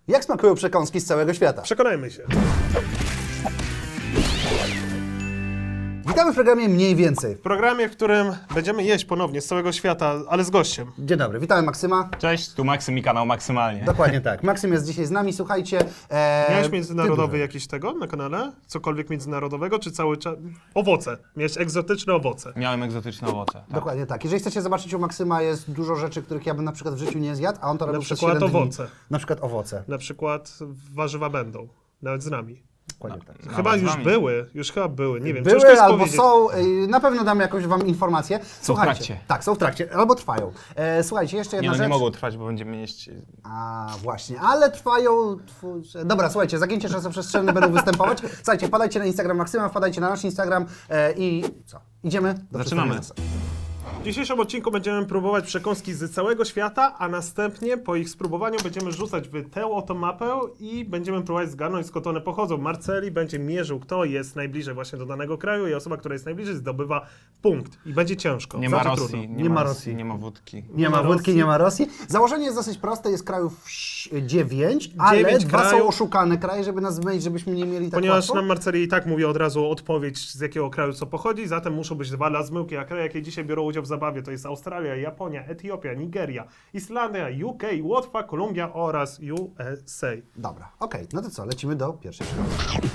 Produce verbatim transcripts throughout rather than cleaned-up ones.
Jak smakują przekąski z całego świata? Przekonajmy się. Witamy w programie Mniej Więcej. W programie, w którym będziemy jeść ponownie z całego świata, ale z gościem. Dzień dobry, witamy Maksyma. Cześć, tu Maksym i kanał Maksymalnie. Dokładnie tak. Maksym jest dzisiaj z nami, słuchajcie. E, Miałeś międzynarodowy ty- jakiś tego na kanale? Cokolwiek międzynarodowego, czy cały czas... Owoce. Miałeś egzotyczne owoce. Miałem egzotyczne owoce. Tak. Dokładnie tak. Jeżeli chcecie zobaczyć u Maksyma, jest dużo rzeczy, których ja bym na przykład w życiu nie zjadł, a on to robił przez przykład siedem dni. owoce. Na przykład owoce. Na przykład warzywa będą. Nawet z nami. Dokładnie tak. Chyba Nawet z już nami. były. Już chyba były. Nie wiem, ciężko Były jest albo powiedzieć. są, y, na pewno dam jakąś wam informację. Słuchajcie, trakcie. Tak, są w trakcie, albo trwają. E, słuchajcie, jeszcze Nie, jedna no, rzecz. nie mogą trwać, bo będziemy jeść... A właśnie, ale trwają... Twórcze... Dobra, słuchajcie, zagięcie czasoprzestrzenne będą występować. Słuchajcie, wpadajcie na Instagram Maksyma, wpadajcie na nasz Instagram e, i co? Idziemy? Do Zaczynamy. przedstawienia. W dzisiejszym odcinku będziemy próbować przekąski z całego świata, a następnie po ich spróbowaniu będziemy rzucać w tę oto mapę i będziemy próbować zgarnąć, skąd one pochodzą. Marceli będzie mierzył, kto jest najbliżej właśnie do danego kraju i osoba, która jest najbliżej, zdobywa punkt. I będzie ciężko. Nie ma Znaczy Rosji, trudno. nie, Nie ma ma Rosji, Rosji. nie ma wódki. Nie ma ma wódki, Rosji. nie ma Rosji. Założenie jest dosyć proste, jest krajów dziewięć, ale Dziewięć dwa są krajów. oszukane kraje, żeby nas zmylić, żebyśmy nie mieli tak Ponieważ łatwo. nam Marceli i tak mówi od razu odpowiedź, z jakiego kraju co pochodzi, zatem muszą być dwa dla zmyłki, a kraje, jakie dzisiaj biorą udział w zabawie, to jest Australia, Japonia, Etiopia, Nigeria, Islandia, U K, Łotwa, Kolumbia oraz U S A. Dobra, okej, no to co, lecimy do pierwszej przygody.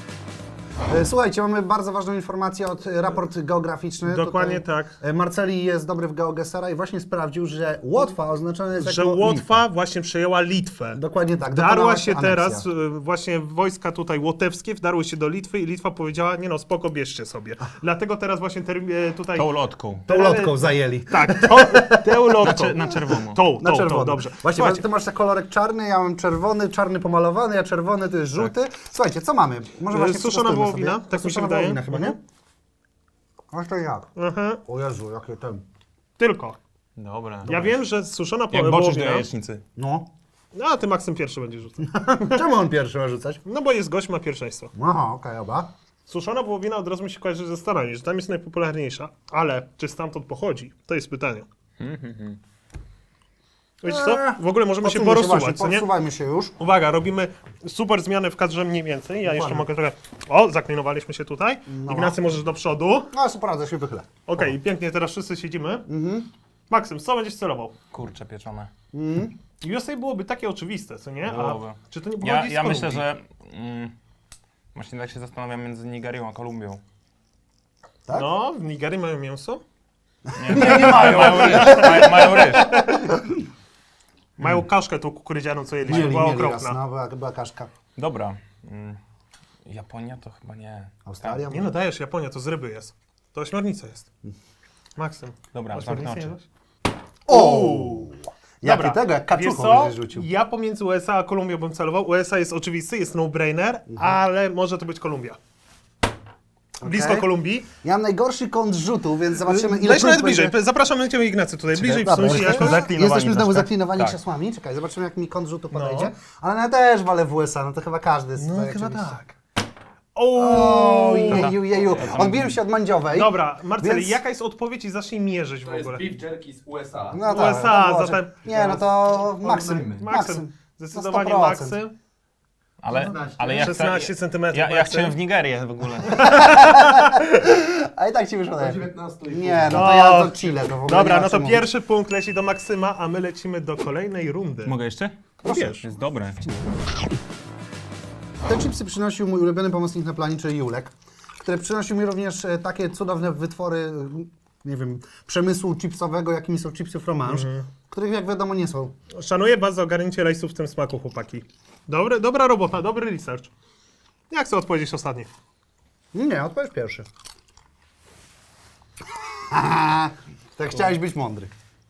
E, Słuchajcie, mamy bardzo ważną informację od e, raport geograficzny. Dokładnie Tutaj, tak. e, Marceli jest dobry w GeoGesera i właśnie sprawdził, że Łotwa oznaczona jest Że jako Łotwa właśnie przejęła Litwę. Dokładnie tak. Wdarła dokonała się aneksja. teraz, y, właśnie wojska tutaj łotewskie wdarły się do Litwy i Litwa powiedziała, nie no, spoko, bierzcie sobie. Dlatego teraz właśnie ter, y, tutaj... Tą lotką. Tą lotką zajęli. Tak, to, tę lotką. Na, na czerwono. Tą, Na tą, czerwono. tą, dobrze. Właśnie, Słuchajcie, ty masz ten kolorek czarny, ja mam czerwony, czarny pomalowany, a czerwony to jest żółty. Słuchajcie, co mamy? Może właśnie Tak. suszona przetestujmy wołowina, sobie. tak mi się Suszona wydaje. wołowina chyba, nie? Mhm. Aż to jak? Aha, O Jezu, jakie ten... tylko. Dobra. Ja wiem, że suszona Jak boczysz do wołowina... jajecznicy. No. No, a ty Maksym pierwszy będzie rzucał. Czemu on pierwszy ma rzucać? No bo jest gość, ma pierwszeństwo. Aha, okej, oba. Suszona wołowina od razu mi się kojarzy ze Stanami, że tam jest najpopularniejsza, ale czy stamtąd pochodzi? To jest pytanie. Wiecie co? W ogóle możemy się Podsuńmy porozsuwać, właśnie, co nie? Podsuwajmy się już. Uwaga, robimy super zmiany w kadrze mniej więcej. Ja jeszcze mogę trochę... O, zaklinowaliśmy się tutaj. Ignacy, możesz do przodu. No, super, radzę się wychylę. Okej, pięknie, teraz wszyscy siedzimy. Maksym, co będziesz celował? Kurcze pieczone. U S A byłoby takie oczywiste, co nie? A Byłoby. czy to nie Ja, pochodzi z ja Kolumbii? myślę, że... Mm, właśnie tak się zastanawiam między Nigerią a Kolumbią. Tak? No, w Nigerii mają mięso. Nie, nie, nie mają. Mają ryż. Mają, mają ryż. Mają kaszkę tą kukurydzianą, co jedliśmy, Mieli, była mieli raz, okropna. no, była, była kaszka. Dobra. Mm, Japonia to chyba nie. Australia? Nie no, dajesz, Japonia, to z ryby jest. To ośmiornica jest. Maksym. Dobra, ośmiornicę zamknę oczy. jadłeś? O! Jak Dobra, tego, jak wiesz kaczuchą co? będziesz rzucił. Ja pomiędzy U S A a Kolumbią bym celował. U S A jest oczywisty, jest no-brainer, ale może to być Kolumbia. Blisko Kolumbii. Ja mam najgorszy kąt rzutu, więc zobaczymy ile Leź prób nawet bliżej. będzie- Zapraszamy Cię, Ignacy, tutaj. Bliżej Dobra, wsuń się jesteśmy, jakoś. zaklinowani jesteśmy znowu troszkę. zaklinowani Tak. krzesłami. Czekaj, zobaczymy jak mi kąt rzutu podejdzie. No. Ale ja też walę w U S A, no to chyba każdy jest No tutaj chyba oczywiście. tak. O, Jeju, jeju. Odbiłem się od mandziowej. Dobra, Marceli, Więc- jaka jest odpowiedź i zacznij mierzyć w To jest ogóle. beef jerky z U S A. No U S A, no może. zatem- Nie, no to Porównajmy. Maksym. Maksym. Zdecydowanie sto procent. Maksym. Ale, ale ja chcę... szesnaście centymetrów. Ja, ja Maksym. chciałem w Nigerię w ogóle. A i tak ci wyszło Do lepiej. dziewiętnastu i Nie, no No. to ja do Chile. To w ogóle Dobra, nie ma no to czym pierwszy punkt leci do Maksyma, a my lecimy do kolejnej rundy. Mogę jeszcze? Wiesz. Jest dobre. mówić. Te chipsy przynosił mój ulubiony pomocnik na planie, czyli Julek, który przynosił mi również e, takie cudowne wytwory, e, nie wiem, przemysłu chipsowego, jakimi są chipsy fromage, których jak wiadomo nie są. Szanuję was za ogarnięcie rejsów w tym smaku, chłopaki. Dobre, dobra robota, dobry research. Ja chcę odpowiedzieć ostatni. Nie, odpowiedź pierwszy. Tak chciałeś być mądry.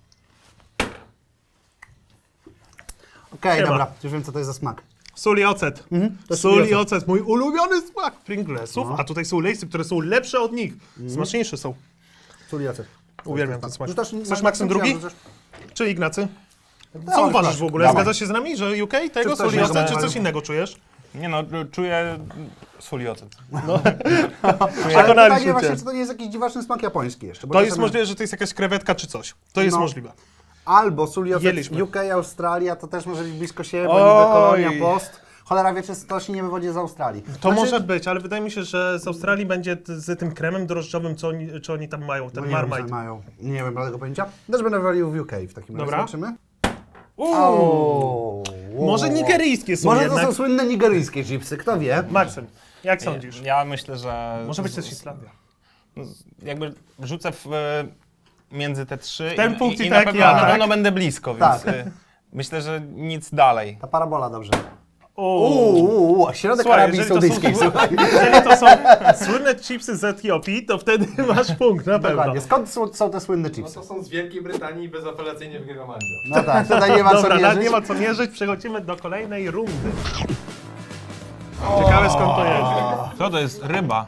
Okej, Siema. dobra, już wiem co to jest za smak. Sól i ocet. to jest Sól sól i i ocet, mój ulubiony smak Pringlesów, a tutaj są lejsy, które są lepsze od nich. Smaczniejsze są. Sól i ocet. Uwielbiam ten smak. Rzucasz- Chcesz Maksym drugi? rzucasz- Czy Ignacy? Co Dawaj, uważasz proszę. w ogóle? Dawaj. Zgadzasz się z nami, że U K tego Czy sól coś i ocet, innego? czy coś innego czujesz? Nie no, czuję sól i ocet. Ale pytanie właśnie, czy to nie jest jakiś dziwaczny smak japoński jeszcze? bo To jest czasami- możliwe, że to jest jakaś krewetka czy coś. To jest No. możliwe. Albo sól i ocet Jedliśmy. U K, Australia, to też może być blisko siebie, bo Oj. niby kolonia post. Cholera wie, czy to się nie wywodzi z Australii. To Znaczy, może być, ale wydaje mi się, że z Australii będzie t- z tym kremem drożdżowym, co oni, czy oni tam mają, no ten nie wiem, Marmite. co mają. Nie wiem, tego pojęcia. Też będę walił w U K w takim razie. Dobra. Zobaczymy. Uuu. O, Może nigeryjskie są Może jednak. to są słynne nigeryjskie chipsy, kto wie. Maksym, jak sądzisz? Ja myślę, że... Może być też Islandia. No, z- jakby rzucę w, e, między te trzy Ten i, punkt i, i i tak, na pewno, ja na tak. pewno będę blisko, więc Tak. e, myślę, że nic dalej. Ta parabola dobrze. Uuu. Uuu, a środek Słuchaj, Arabii jeżeli to, są, Saudyjskiej, słuchaj. jeżeli to są słynne chipsy z Etiopii, to wtedy masz punkt, na pewno. Dokładnie. Skąd są, są te słynne No chipsy? to są z Wielkiej Brytanii i bezapelacyjnie wygrywa Mandzio. No tak, tutaj nie ma co Dobra, na- mierzyć. nie ma co mierzyć, przechodzimy do kolejnej rundy. Ciekawe skąd to jest. Co to jest? Ryba.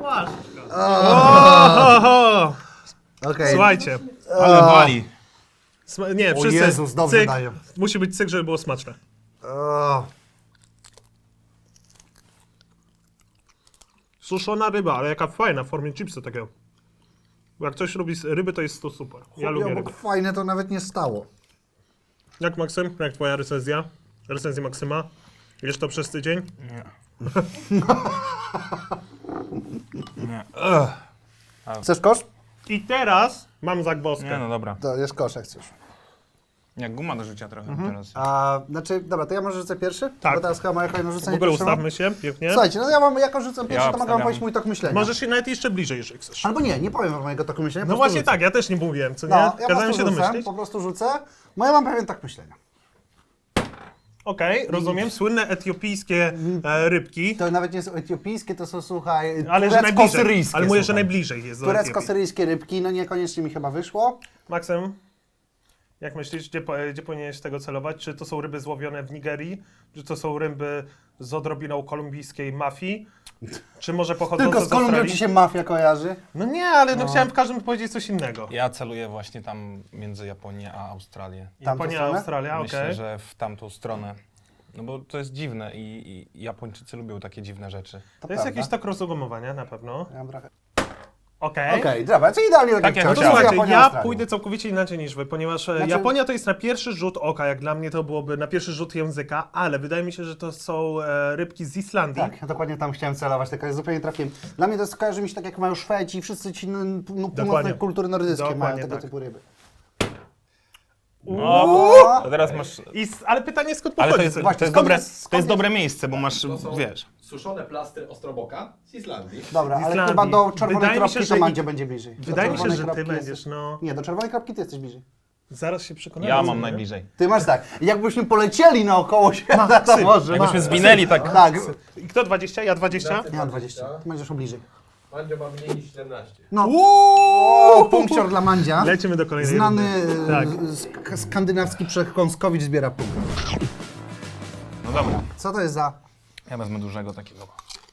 Oho! Okej. Słuchajcie, Ale wali. sma- nie, O wszyscy, Jezus, dobrze cyk, dają. musi być cyk, żeby było smaczne. O, Suszona ryba, ale jaka fajna w formie chipsa takiego. Bo jak ktoś lubi z ryby, to jest to super. Ja lubię obok ryby. fajne to nawet nie stało. Jak Maksym? Jak twoja recenzja? Recenzja Maksyma? Jesz to przez tydzień? Nie. Nie. Ugh. Chcesz kosz? I teraz mam zagwozdkę. Nie, no dobra. To jest kosz, jak chcesz. Jak guma do życia trochę teraz. A, znaczy, dobra, to ja może rzucę pierwszy? Tak. Bo teraz chyba moja kolejna W rzucenie ogóle pierwszego. ustawmy się, pięknie. Słuchajcie, no ja mam, jako rzucę pierwszy, to mogę wam obstawiam. powiedzieć mój tok myślenia. Możesz się nawet jeszcze bliżej, jeżeli chcesz. Albo nie, nie powiem wam mojego toku myślenia. po No prostu właśnie rzucę. tak, ja też nie mówiłem, co nie? No, ja po Kazałem prostu się rzucę, domyślić. po prostu rzucę. No ja mam pewien tok myślenia. Okej, rozumiem. Słynne etiopijskie e, rybki. To nawet nie są etiopijskie, to są, słuchaj, Ale że najbliżej. turecko-syryjskie. Ale mówię, że słuchaj. najbliżej jest do Etiopii. Turecko-syryjskie rybki, no niekoniecznie mi chyba wyszło. Maksym, jak myślisz, gdzie, po- gdzie powinieneś tego celować? Czy to są ryby złowione w Nigerii? Czy to są ryby z odrobiną kolumbijskiej mafii? Czy może pochodzące Tylko z z Kolumbią Australii? ci się mafia kojarzy. No nie, ale no. chciałem w każdym powiedzieć coś innego. Ja celuję właśnie tam między Japonię a Australię. Tamtą Japonia, stronę? Australia, okej. Myślę, że w tamtą stronę. No bo to jest dziwne i, i Japończycy lubią takie dziwne rzeczy. To, To jest prawda. jakiś tok rozumowania na pewno. Ja mam trochę... Okej. Okej, dobra, co idealnie tak, Tak jak jak chciałem. No to chciałem. słuchajcie, Japonia, ja Australia. pójdę całkowicie inaczej niż wy, ponieważ e, Znaczy- Japonia to jest na pierwszy rzut oka, jak dla mnie to byłoby na pierwszy rzut języka, ale wydaje mi się, że to są e, rybki z Islandii. Tak, ja dokładnie tam chciałem celować, tylko ja zupełnie trafiłem. Dla mnie to jest, kojarzy mi się tak jak mają Szwedzi i wszyscy ci no, no, północne Dokładnie. kultury nordyckie mają Dokładnie tego tak. typu ryby. No, O! to teraz masz... I, s- ale pytanie skąd Ale pochodzi? to jest, ten- Właśnie, to jest, skąd dobre, jest- skąd to jest jest- dobre miejsce, bo masz, To są wiesz... suszone plastry Ostroboka z Islandii. Dobra, Z ale Islandii. chyba do czerwonej Wydaje mi kropki się, to że i- Mandzio będzie bliżej. Do Wydaje mi się, czerwonej że ty kropki będziesz, jesteś- no... Nie, do czerwonej kropki ty jesteś bliżej. Zaraz się przekonamy. Ja co mam nie? najbliżej. Ty masz tak, jakbyśmy polecieli naokoło świata, to Maksym, może. Jakbyśmy Ma- zwinęli tak... Tak, I kto dwadzieścia? Ja dwadzieścia? ja mam dwadzieścia, ty będziesz bliżej. Mandzio ma mniej niż siedemnaście. No, Uuu, punkcior dla Mandzia. Lecimy do kolejnej Znany rundy. Tak. e, sk- skandynawski przekąskowicz zbiera punkt. No dobra, Co to jest za... ja wezmę dużego takiego.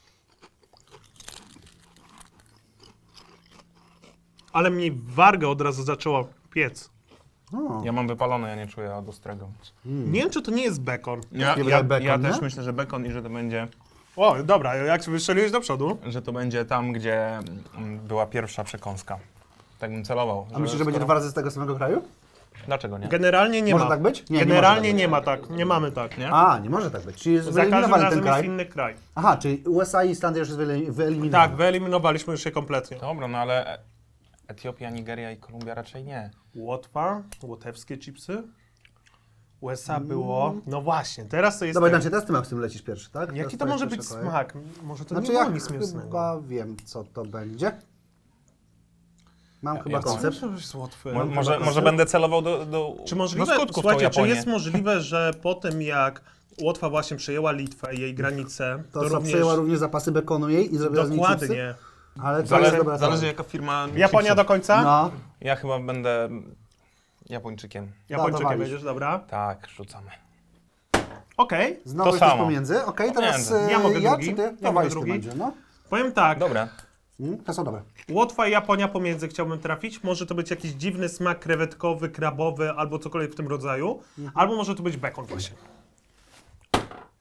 Ale mi wargę od razu zaczęło piec. O, Ja mam wypalone, ja nie czuję od ostrego. Nie wiem, czy to nie jest bekon. Ja, Nie ja, wydaje bekon, ja nie? też myślę, że bekon i że to będzie, O, dobra, jak wystrzeliłeś do przodu? że to będzie tam, gdzie mm, była pierwsza przekąska. Tak bym celował. a myślisz, że będzie dwa razy z tego samego kraju? Dlaczego nie? Generalnie nie Może ma. tak być? Nie, nie Generalnie może nie ma tak, nie mamy tak. Nie? A, nie może tak być. Czyli Za każdym wyeliminowali ten razem jest kraj. inny kraj. Aha, czyli U S A i Islandia już jest wyeli- wyeliminowane. Tak, wyeliminowaliśmy już je kompletnie. Dobra, no ale Etiopia, Nigeria i Kolumbia raczej nie. Łotwa, łotewskie chipsy. U S A było. No właśnie, teraz to jest. Dobra, ten- znaczy teraz ty Maksym lecisz pierwszy, tak? Jaki Teraz to może jest być pierwsza kolej. smak? Może to Znaczy nie ja było nic mięsnego. chyba wiem, co to będzie. Mam chyba ja koncept. Może być z Łotwy. Mo, może, może będę celował do, do, Czy do możliwe, skutków tą słuchajcie, czy Japonię. jest możliwe, że po tym jak Łotwa właśnie przejęła Litwę i jej granice, To, to co również... przejęła również zapasy bekonu jej i zrobiła z niej chipsy. Dokładnie. Ale to jest Zależy, dobra zależy teoria. jaka firma Japonia do chipsów. końca? No, Ja chyba będę Japończykiem. Japończykiem dawalisz. będziesz, dobra. Tak, rzucamy. Okej. znowu To jesteś samo. pomiędzy. Okej, teraz Pomiędzy. ja, Ja mogę ja drugi. czy ty? Ja To mogę walisz ty drugi. będzie, no. Powiem tak, Dobra. Mm, to są dobre. Łotwa i Japonia pomiędzy chciałbym trafić. Może to być jakiś dziwny smak krewetkowy, krabowy albo cokolwiek w tym rodzaju. Mhm. Albo może to być bekon właśnie.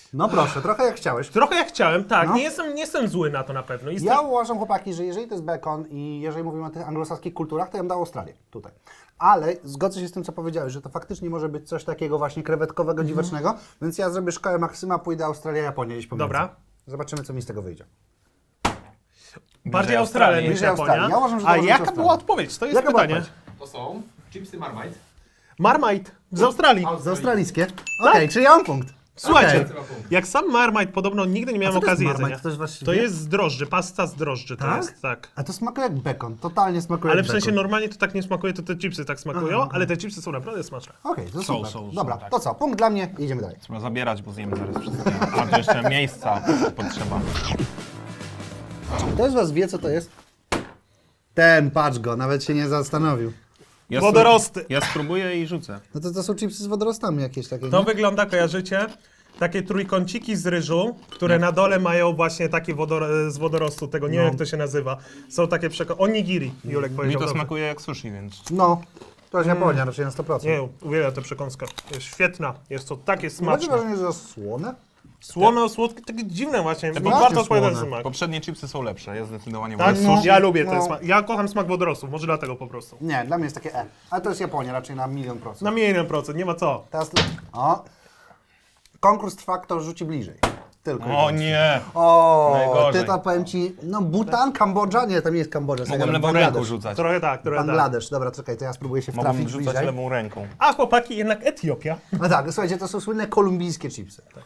No proszę, trochę jak chciałeś. Trochę jak chciałem, tak. No. Nie, jestem, nie jestem zły na to na pewno. Jestem... Ja uważam, chłopaki, że jeżeli to jest bekon i jeżeli mówimy o tych anglosaskich kulturach, to ja bym dał Australię tutaj. Ale zgodzę się z tym, co powiedziałeś, że to faktycznie może być coś takiego właśnie krewetkowego, dziwacznego, więc ja zrobię szkołę Maksyma, pójdę Australia, Japonia gdzieś pomiędzy. Dobra. Zobaczymy, co mi z tego wyjdzie. Bardziej Australia niż Bliżej Japonia. Australii. Ja uważam, że to A może być jaka Australia. była odpowiedź? To jest Jaka była pytanie. odpowiedź? To są chipsy Marmite. Marmite z Australii. Z australijskie? Okej, czyli ja mam punkt. Słuchajcie, Okej. jak sam Marmite podobno nigdy nie miałem co to jest okazji Marmite? jedzenia. To jest właściwie- To jest z drożdży, pasta z drożdży to Tak? jest, tak. A to smakuje jak bekon, totalnie smakuje Ale jak w sensie bekon. normalnie to tak nie smakuje, to te chipsy tak smakują, Aha, ale te chipsy są naprawdę smaczne. Okej, to Są, super. są, są, Dobra, tak. to co? Punkt dla mnie i idziemy dalej. Trzeba zabierać, bo zjemy zaraz wszystkie. A to jeszcze miejsca potrzeba. Ktoś z was wie, co to jest? Ten, patrz go, nawet się nie zastanowił. Ja Wodorosty. Ja spróbuję i rzucę. No to, to są chipsy z wodorostami jakieś takie, To nie? wygląda, kojarzycie? Takie trójkąciki z ryżu, które na dole mają właśnie takie wodor z wodorostu, tego nie wiem jak to się nazywa. Są takie przeko... Onigiri, Julek Mi powiedział. to dobrze. smakuje jak sushi, więc... No, to jest Japonia raczej na sto procent. Nie, uwielbiam tę przekąskę. Jest świetna, jest to takie Macie smaczne. wrażenie, że to słone? Słono, słodkie, takie dziwne właśnie, bo Właśnie warto odpowiadać słone. smak. Poprzednie chipsy są lepsze, ja zdecydowanie Tak, wolę No, sushi. ja lubię ten no. smak. Ja kocham smak wodorostów, może dlatego po prostu. Nie, dla mnie jest takie E. Ale to jest Japonia raczej na milion procent. Na milion procent, nie ma co. Teraz... O! Konkurs trwa, kto rzuci bliżej. Tylko i O wyłącznie. nie! O, Najgorzej. ty to powiem ci, no Bhutan, Kambodża, nie, to nie jest Kambodża. Mogłem Senegal, lewą Bangladesz. ręką rzucać. Trochę tak, trochę tak. Bangladesz, dobra, czekaj, to ja spróbuję się Mogłem wtrafić rzucać bliżej. lewą ręką. A chłopaki, jednak Etiopia. No tak, słuchajcie, to są słynne kolumbijskie chipsy. Tak.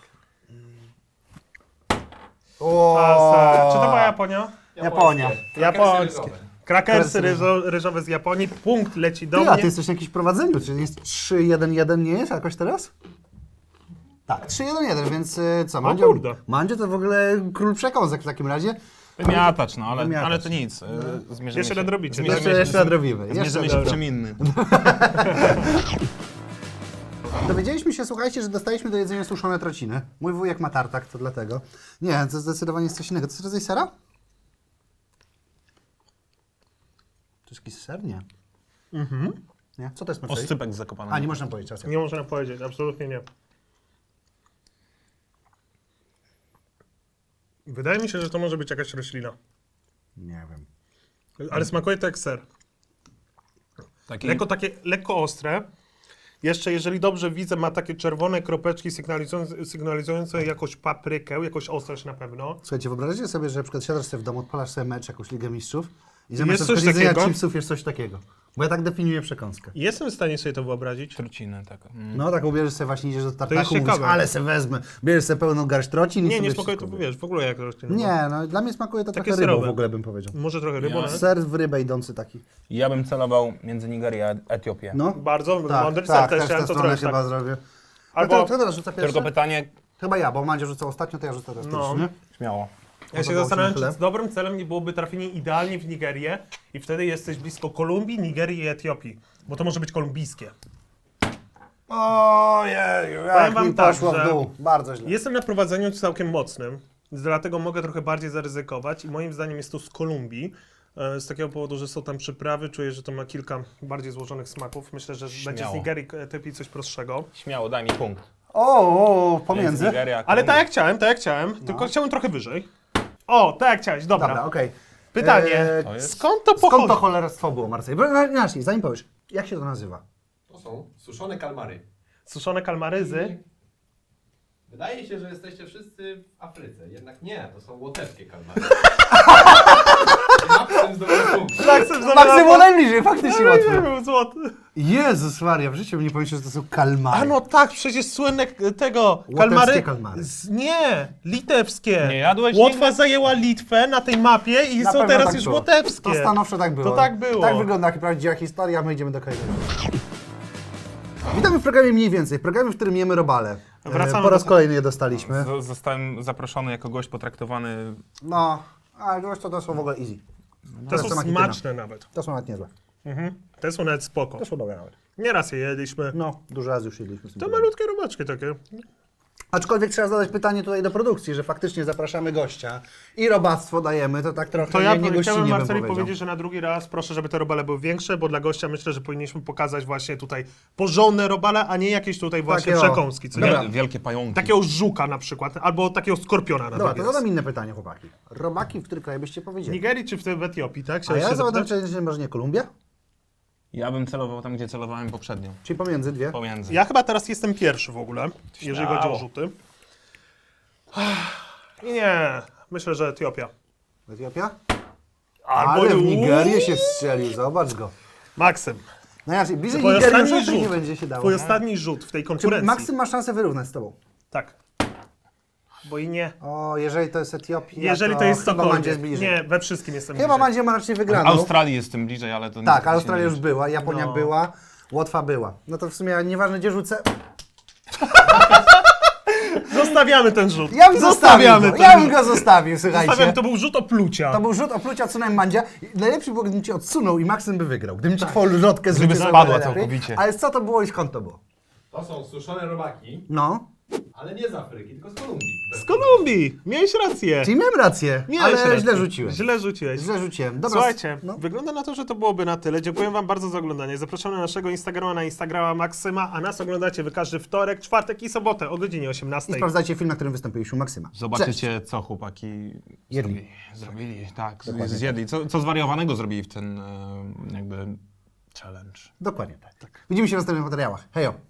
O, A, Czy to była Japonia? Japonia. Japońskie. Krakersy Krakersy ryżo, ryżowe z Japonii. Punkt leci do Ty, a ty mnie. jesteś na jakimś prowadzeniu, czy jest trzy jeden jeden, nie jest jakoś teraz? Tak, trzy jeden jeden, więc y, co, Mandzio? kurde. Mandzio to w ogóle król przekąsek w takim razie. Wymiatacz, no ale, Wymiatacz. ale to nic. e, Zmierzymy Jeszcze się. nadrobicie, Zmierzymy Jeszcze, się, jeszcze nadrobimy. zmierzymy Jeszcze się w nadrobimy. czym innym. Dowiedzieliśmy się, słuchajcie, że dostaliśmy do jedzenia suszone trociny. Mój wujek ma tartak, to dlatego. Nie, to zdecydowanie jest coś innego. To jest rodzaj sera? To jest jakiś ser? Nie. Mhm. Nie? Co to jest Marceli? Oscypek z Zakopanego. A, nie można powiedzieć. Racja. Nie można powiedzieć, absolutnie nie. Wydaje mi się, że to może być jakaś roślina. Nie wiem. Ale smakuje to jak ser. Taki... Lekko takie, lekko ostre. Jeszcze, jeżeli dobrze widzę, ma takie czerwone kropeczki sygnalizujące, sygnalizujące jakąś paprykę, jakąś ostrość na pewno. Słuchajcie, wyobraźcie sobie, że na przykład siadasz sobie w domu, odpalasz sobie mecz, jakąś Ligę Mistrzów i zamiast Jest na coś przykład jedzenia takiego? chipsów jest coś takiego. Bo ja tak definiuję przekąskę. Jestem w stanie sobie to wyobrazić. Truciny, tak. Mm. No tak, ubierzesz sobie właśnie, idziesz do jest tartaku, mówisz, ciekawe. ale se wezmę. Bierzesz sobie pełną garść trocin i Nie, sobie nie smakuje to, wszystko wiesz, w ogóle jak roślina. Nie, no dla mnie smakuje to Takie trochę rybą serowe. w ogóle bym powiedział. Może trochę rybą, Ja- ale... Ser w rybę idący taki. Ja bym celował między Nigerię a Etiopię. No. Bardzo Tak, mądry tak, ser, też też chciałem tę to stronę zrobić. chyba Tak. zrobię. Albo Albo... Kto teraz rzuca pierwszy? Tylko pytanie, Chyba ja, bo Mandzio rzucał ostatnio, to ja rzucę teraz No. pierwszy, nie? śmiało. ja się Podobało ci zastanawiam, na tyle? czy dobrym celem nie byłoby trafienie idealnie w Nigerię i wtedy jesteś blisko Kolumbii, Nigerii i Etiopii. Bo to może być kolumbijskie. Ojej, Powiem jak wam mi tak, poszło że- w dół. Bardzo źle. Jestem na prowadzeniu całkiem mocnym, dlatego mogę trochę bardziej zaryzykować i moim zdaniem jest to z Kolumbii. e, Z takiego powodu, że są tam przyprawy, czuję, że to ma kilka bardziej złożonych smaków. Myślę, że będzie z Śmiało. Nigerii Etiopii coś prostszego. Śmiało, daj mi punkt. O, o, Między pomiędzy. Nigerią a Ale Kolumbią. tak jak chciałem, tak jak chciałem, tylko chciałem trochę wyżej. O, tak jak chciałeś, dobra. Dobra, okej. Pytanie, Eee, To jest- skąd to pochodzi? Skąd to cholerstwo było, Marcel? Inaczej, zanim powiesz, jak się to nazywa? To są suszone kalmary. Suszone kalmaryzy. Wydaje się, że jesteście wszyscy w Afryce, jednak nie, to są łotewskie kalmary. Maksym zdobył punkt. Maksym Maksym było najbliżej, faktycznie łatwo. był złoty. Jezus Maria, w życiu bym nie pomyślał, że to są kalmary. A no tak, przecież słynne k- tego, Łotewskie kalmary. kalmary. Z, nie, litewskie. Nie jadłeś Łotwa nigdy? zajęła Litwę na tej mapie i Na są pewno teraz tak już było. łotewskie. To stanowczo tak było. To tak było. Tak wygląda jak prawdziwa historia, a my idziemy do kolejnego. Witamy w programie Mniej Więcej, w programie, w którym jemy robale. E, Wracamy Po raz do- kolejny je dostaliśmy. Z- Zostałem zaproszony jako gość potraktowany. No, a gość to, to są w ogóle easy. Te są to makityna. smaczne nawet. To są nawet niezłe. Mhm. Te są nawet spoko. To są dobre nawet. Nieraz je jedliśmy. No, dużo razy już jedliśmy. z tym To problemem. malutkie robaczki takie. Aczkolwiek trzeba zadać pytanie tutaj do produkcji, że faktycznie zapraszamy gościa i robactwo dajemy, to tak trochę To ja nie, nie chciałem gościnnie bym Marceli powiedział. powiedzieć, że na drugi raz proszę, żeby te robale były większe, bo dla gościa myślę, że powinniśmy pokazać właśnie tutaj porządne robale, a nie jakieś tutaj właśnie Takie o. przekąski. Co Dobra. nie? Wielkie pająki. Takiego żuka na przykład, albo takiego skorpiona na Dobra, to drugi zadam raz. inne pytanie, chłopaki. Robaki w który kraj byście W powiedzieli? Nigerii czy w, w Etiopii, tak? A Chciałeś ja się zapytam, zapytać? czy może nie Kolumbia? Ja bym celował tam, gdzie celowałem poprzednio. Czyli pomiędzy dwie? Pomiędzy. Ja chyba teraz jestem pierwszy w ogóle, jeżeli chodzi o Śmiało. rzuty. Nie, myślę, że Etiopia. Etiopia? Albo Ale w Uuu, Nigerię się strzelił, zobacz go. Maksym, No ja bliżej twój Nigerii ostatni już raczej nie rzut, będzie się dało. twój nie? ostatni rzut w tej Czy konkurencji. Maksym ma szansę wyrównać z tobą? Tak. Bo i nie. O, jeżeli to jest Etiopia, Jeżeli to jest chyba cokolwiek. Mandzie jest bliżej. Nie, we wszystkim jestem Chyba bliżej. Mandzie ma raczej wygraną. Australii jest tym bliżej, ale to Tak, niestety się Australia nie już liczy. była, Japonia No. była, Łotwa była. No to w sumie nieważne gdzie rzucę. Zostawiamy ten rzut. Ja bym zostawił Zostawiamy go, ten ja bym rzut. go zostawił, słuchajcie. Zostawiam, to był rzut oplucia. To był rzut oplucia, odsunąłem Mandzia. Najlepszy było, gdybym cię odsunął i Maksym by wygrał. Gdybym ci twoją lotkę Gdyby zrzucił spadła najlepiej. całkowicie. Ale co to było i skąd to było? To są suszone robaki, No, ale nie z Afryki, tylko z Kolumbii. Z Kolumbii. Miałeś rację. czyli miałem rację, Miałeś ale rację. źle rzuciłem. Źle rzuciłeś. Źle rzuciłem. Dobra, Słuchajcie, no. wygląda na to, że to byłoby na tyle. Dziękuję wam bardzo za oglądanie. Zapraszamy na naszego Instagrama, na Instagrama Maksyma, a nas oglądacie wy każdy wtorek, czwartek i sobotę o godzinie I osiemnastej. sprawdzajcie film, na którym wystąpiliśmy Maksyma. Zobaczycie, co chłopaki Jedli. zrobili. Zrobili, tak. Dokładnie Zjedli. Co, co zwariowanego zrobili w ten e, jakby challenge. Dokładnie tak. Widzimy się w następnych materiałach. Hejo!